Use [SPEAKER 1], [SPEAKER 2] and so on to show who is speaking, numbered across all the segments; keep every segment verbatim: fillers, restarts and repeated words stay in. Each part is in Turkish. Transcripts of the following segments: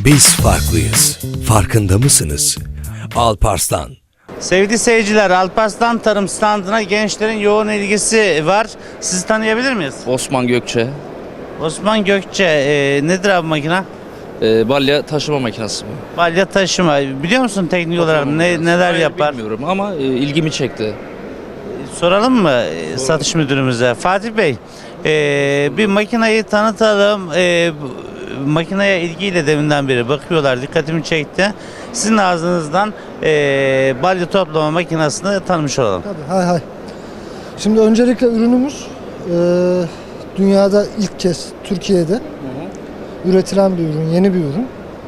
[SPEAKER 1] Biz farklıyız. Farkında mısınız? Alparslan.
[SPEAKER 2] Sevgili seyirciler, Alparslan Tarım standına gençlerin yoğun ilgisi var. Sizi tanıyabilir miyiz?
[SPEAKER 3] Osman Gökçe.
[SPEAKER 2] Osman Gökçe, e, nedir abi makine?
[SPEAKER 3] Ee, balya taşıma makinesi bu.
[SPEAKER 2] Balya taşıma. Biliyor musun teknik olarak ne, neler
[SPEAKER 3] Hayır,
[SPEAKER 2] yapar?
[SPEAKER 3] Bilmiyorum ama e, ilgimi çekti.
[SPEAKER 2] Soralım mı e, satış müdürümüze? Fatih Bey, e, bir makineyi tanıtalım. E, bu- makineye ilgiyle deminden beri bakıyorlar. Dikkatimi çekti. Sizin ağzınızdan e, balya toplama makinesini tanımış olalım.
[SPEAKER 4] Tabii, hay hay. Şimdi öncelikle ürünümüz e, dünyada ilk kez Türkiye'de üretilen bir ürün, yeni bir ürün.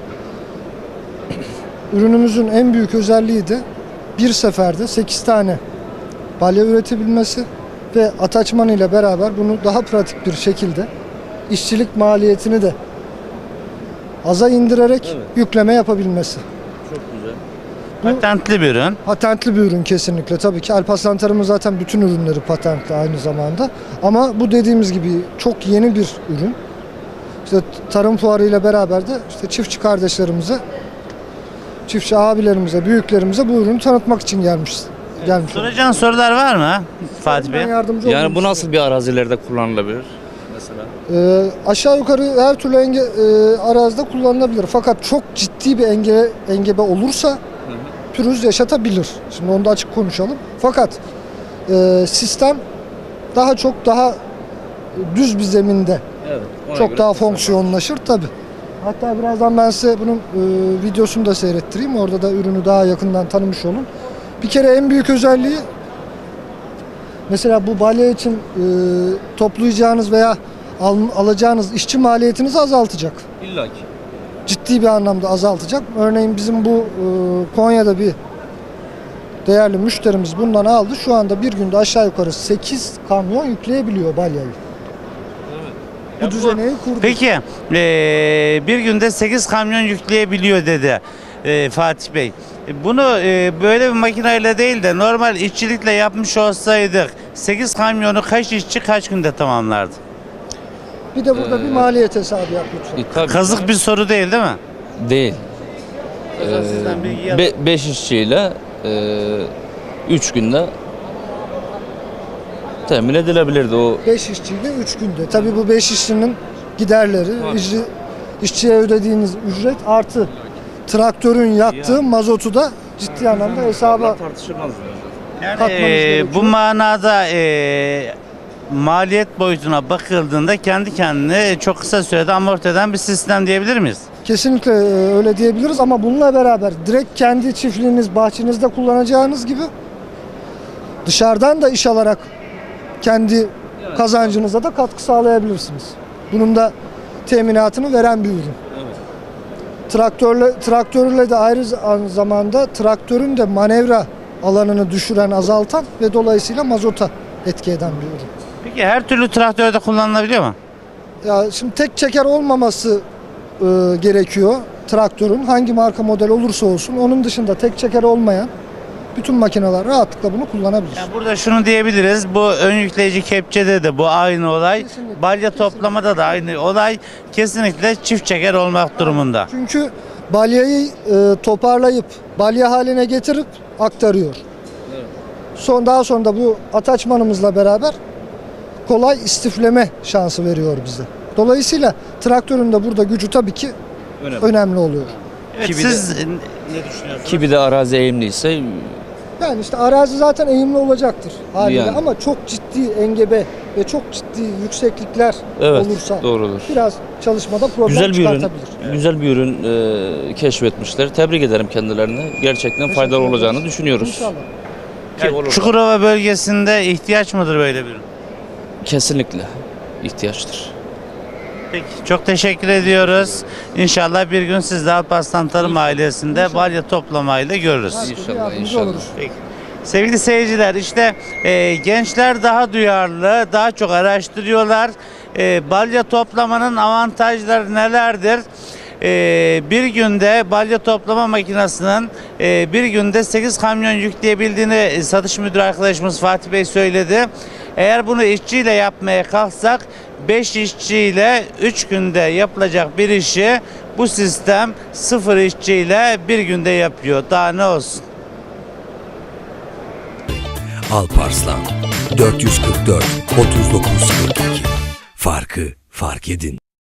[SPEAKER 4] Ürünümüzün en büyük özelliği de bir seferde sekiz tane balya üretebilmesi ve ataçman ile beraber bunu daha pratik bir şekilde işçilik maliyetini de aza indirerek
[SPEAKER 3] Evet.
[SPEAKER 4] yükleme yapabilmesi.
[SPEAKER 3] Çok güzel.
[SPEAKER 4] Bu-
[SPEAKER 2] Patentli bir ürün.
[SPEAKER 4] Patentli bir ürün kesinlikle. Tabii ki Alparslan Tarım'ın zaten bütün ürünleri patentli aynı zamanda. Ama bu dediğimiz gibi çok yeni bir ürün. İşte tarım fuarı ile beraber de işte çiftçi kardeşlerimize, çiftçi abilerimize, büyüklerimize bu ürünü tanıtmak için gelmiş. gelmiş.
[SPEAKER 2] Soracağın sorular var mı Fatih Bey?
[SPEAKER 4] Ben yardımcı
[SPEAKER 3] Yani
[SPEAKER 4] olayım
[SPEAKER 3] bu
[SPEAKER 4] size.
[SPEAKER 3] nasıl bir arazilerde kullanılabilir mesela?
[SPEAKER 4] Ee, aşağı yukarı her türlü enge, e, arazide kullanılabilir. Fakat çok ciddi bir enge, engebe olursa pürüz yaşatabilir. Şimdi onu da açık konuşalım. Fakat e, sistem daha çok daha düz bir zeminde
[SPEAKER 3] Evet. ona
[SPEAKER 4] çok
[SPEAKER 3] göre
[SPEAKER 4] daha
[SPEAKER 3] tasarlanmış.
[SPEAKER 4] fonksiyonlaşır tabi. Hatta birazdan ben size bunun e, videosunu da seyrettireyim. Orada da ürünü daha yakından tanımış olun. Bir kere en büyük özelliği mesela bu balya için e, toplayacağınız veya al, alacağınız işçi maliyetinizi azaltacak.
[SPEAKER 3] İlla ki.
[SPEAKER 4] Ciddi bir anlamda azaltacak. Örneğin bizim bu e, Konya'da bir değerli müşterimiz bundan aldı. Şu anda bir günde aşağı yukarı sekiz kamyon yükleyebiliyor balyayı. Bu düzeneyi kurdu.
[SPEAKER 2] Peki, e, bir günde sekiz kamyon yükleyebiliyor dedi e, Fatih Bey. E, Bunu e, böyle bir makineyle değil de normal işçilikle yapmış olsaydık sekiz kamyonu kaç işçi kaç günde tamamlardı?
[SPEAKER 4] Bir de burada bir maliyet hesabı yap lütfen.
[SPEAKER 3] E, tabii.
[SPEAKER 2] Kazık bir soru değil değil mi?
[SPEAKER 3] Değil.
[SPEAKER 2] Ee,
[SPEAKER 3] Ee, be, beş işçiyle e, üç günde temin edilebilirdi o.
[SPEAKER 4] beş işçiyle üç günde. Tabii bu beş işçinin giderleri, işçi, işçiye ödediğiniz ücret artı traktörün yaktığı mazotu da ciddi anlamda hesaba
[SPEAKER 3] Tartışılmaz.
[SPEAKER 2] Yani,
[SPEAKER 4] katmanız
[SPEAKER 2] e,
[SPEAKER 4] gerekiyor.
[SPEAKER 2] bu manada e, maliyet boyutuna bakıldığında kendi kendine çok kısa sürede amorti eden bir sistem diyebilir miyiz?
[SPEAKER 4] kesinlikle e, öyle diyebiliriz ama bununla beraber direkt kendi çiftliğiniz, bahçenizde kullanacağınız gibi dışarıdan da iş alarak kendi kazancınıza da katkı sağlayabilirsiniz. Bunun da teminatını veren bir ürün. Traktörle, traktörle de ayrı zamanda traktörün de manevra alanını düşüren, azaltan ve dolayısıyla mazota etki eden bir ürün.
[SPEAKER 2] Peki her türlü traktörde kullanılabiliyor mu?
[SPEAKER 4] Ya şimdi tek çeker olmaması e, gerekiyor traktörün. Hangi marka model olursa olsun. Onun dışında tek çeker olmayan bütün makineler rahatlıkla bunu kullanabilir.
[SPEAKER 2] Yani burada şunu diyebiliriz, bu ön yükleyici kepçede de bu aynı olay,
[SPEAKER 4] Kesinlikle,
[SPEAKER 2] balya
[SPEAKER 4] kesinlikle.
[SPEAKER 2] toplamada da aynı olay, kesinlikle çift çeker olmak durumunda.
[SPEAKER 4] Çünkü balyayı e, toparlayıp balya haline getirip aktarıyor. Son daha sonra da bu ataçmanımızla beraber kolay istifleme şansı veriyor bize. Dolayısıyla traktörün de burada gücü tabii ki
[SPEAKER 3] Önemli.
[SPEAKER 4] önemli oluyor.
[SPEAKER 2] Evet,
[SPEAKER 3] Ki bir
[SPEAKER 2] siz ne düşünüyorsunuz?
[SPEAKER 3] Ki bir de arazi eğimliyse
[SPEAKER 4] Yani işte arazi zaten eğimli olacaktır haliyle
[SPEAKER 3] Yani.
[SPEAKER 4] ama çok ciddi engebe ve çok ciddi yükseklikler
[SPEAKER 3] evet
[SPEAKER 4] olursa
[SPEAKER 3] doğrudur.
[SPEAKER 4] biraz çalışmada problem
[SPEAKER 3] Güzel bir ürün,
[SPEAKER 4] çıkartabilir.
[SPEAKER 3] güzel bir ürün e, keşfetmişler. Tebrik ederim kendilerini. Gerçekten faydalı
[SPEAKER 4] Teşekkür
[SPEAKER 3] olacağını
[SPEAKER 4] ederiz.
[SPEAKER 3] düşünüyoruz.
[SPEAKER 4] İnşallah.
[SPEAKER 3] Ki
[SPEAKER 2] Yani
[SPEAKER 3] olur da.
[SPEAKER 2] Çukurova bölgesinde ihtiyaç mıdır böyle bir ürün?
[SPEAKER 3] Kesinlikle ihtiyaçtır.
[SPEAKER 2] Peki, çok teşekkür ediyoruz. İnşallah bir gün siz de Alparslan Tarım ailesinde
[SPEAKER 4] İnşallah.
[SPEAKER 2] balya toplamayla görürüz.
[SPEAKER 4] Her türlü
[SPEAKER 3] İnşallah,
[SPEAKER 4] yardımcı
[SPEAKER 3] inşallah.
[SPEAKER 4] oluruz.
[SPEAKER 2] Peki. Sevgili seyirciler, işte e, gençler daha duyarlı, daha çok araştırıyorlar. E, balya toplamanın avantajları nelerdir? E, bir günde balya toplama makinesinin e, bir günde sekiz kamyon yükleyebildiğini e, satış müdürü arkadaşımız Fatih Bey söyledi. Eğer bunu işçiyle yapmaya kalksak beş işçiyle üç günde yapılacak bir işi bu sistem sıfır işçiyle bir günde yapıyor. Daha ne olsun?
[SPEAKER 1] Alparslan dört yüz kırk dört otuz dokuz kırk iki. Farkı fark edin.